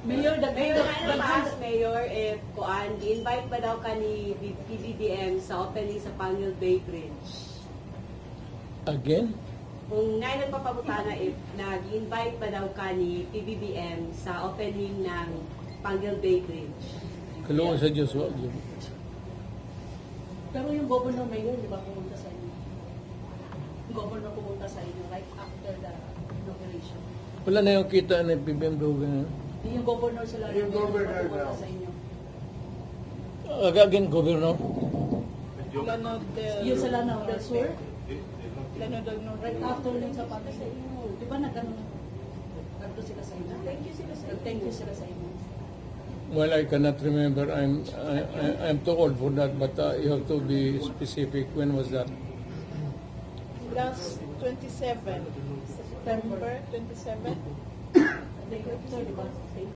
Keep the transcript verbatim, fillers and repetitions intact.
Mayor, the Mayor, mayor, ano pa, Mayor, if kuan, invite ba daw ka ni P B B M sa opening sa Pangil Bay Bridge? Again? Kung nga nagpapabutana, if nag-invite ba daw ka ni P B B M sa opening ng Pangil Bay Bridge? Kalungan sa Diyos, wag yun. pero yung governor mayor, di ba, pumunta sa inyo? Yung governor pumunta sa inyo right after the inauguration. Wala na yung kita ng P B M Dogan. Di yung governor sila Yung governor pumunta daw. sa inyo. Again, Governor. Lano del... Yung sa Lanao del Sur, Lano del Norte. right after yung sa pati sa inyo. Di ba nagano nagto sila sa inyo? Thank you sila sa inyo. Thank you sila sa inyo. Well, I cannot remember. I'm I, I, I'm too old for that, but uh, you have to be specific. When was that? Last twenty-seven. September twenty-seven. They di ba?